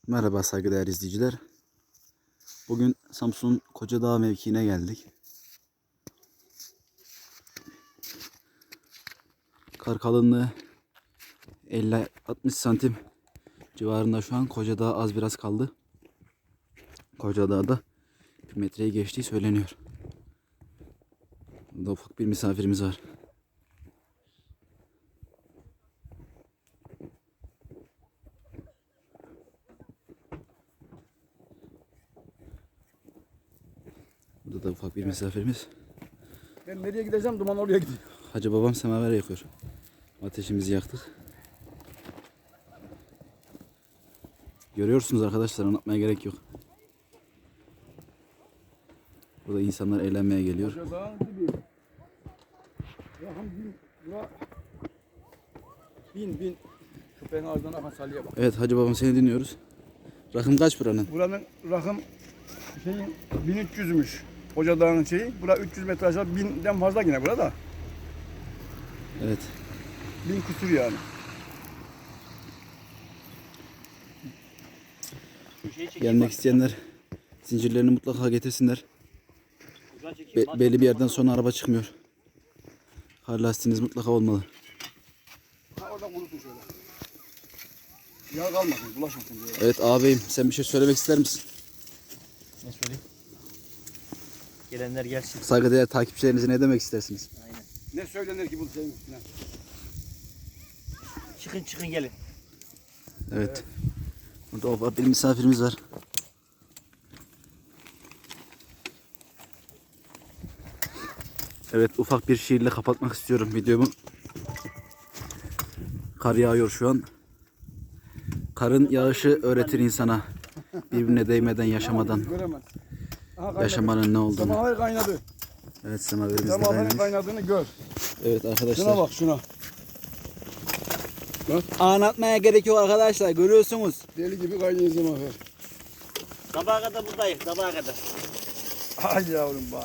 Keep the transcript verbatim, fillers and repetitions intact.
Merhaba saygıdeğer izleyiciler. Bugün Samsun Kocadağ mevkiine geldik. Kar kalınlığı elli altmış santim civarında şu an. Kocadağ az biraz kaldı. Kocadağ'da bir metreyi geçtiği söyleniyor. Burada ufak bir misafirimiz var. Burada da ufak bir misafirimiz. Ben nereye gideceğim? Duman oraya gidiyor. Hacı babam semaver yakıyor. Ateşimizi yaktık. Görüyorsunuz arkadaşlar, anlatmaya gerek yok. Burada insanlar eğlenmeye geliyor. Kocadağ'ın gibi. Rakım bin. Bura. Bin bin. Köpeğin ağzından akan salyaya bak. Evet hacı babam, seni dinliyoruz. Rakım kaç buranın? Buranın rakım şeyin bin üç yüzmüş. Kocadağ'ın şeyi. Bura üç yüz metre aşağı. binden fazla yine burada. Evet. Bin kusur yani. Gelmek isteyenler zincirlerini mutlaka getirsinler. Be- belli bir yerden sonra araba çıkmıyor. Kar lastiğiniz mutlaka olmalı. Ha oradan kurutun şöyle. Yağ kalmasın, bulaşmasın diye. Evet ağabeyim, sen bir şey söylemek ister misin? Ne söyleyeyim? Gelenler gelsin. Saygıdeğer takipçilerinize ne demek istersiniz? Aynen. Ne söylenir ki bu şeyin üstüne? Çıkın çıkın gelin. Evet. Burada ufak bir misafirimiz var. Evet, ufak bir şiirle kapatmak istiyorum videomu. Kar yağıyor şu an. Karın yağışı öğretir insana birbirine değmeden yaşamadan Göremez. Aha, kaynadı. yaşamanın ne olduğunu. Semaver kaynadı. Evet, semaverimiz de Semaverin kaynamış. kaynadığını gör. Evet Şuna arkadaşlar. bak şuna. Bak. Anlatmaya gerek yok arkadaşlar, görüyorsunuz. Deli gibi kaynıyor semaver. Sabaha kadar buradayım, sabaha kadar. Ay yavrum bak.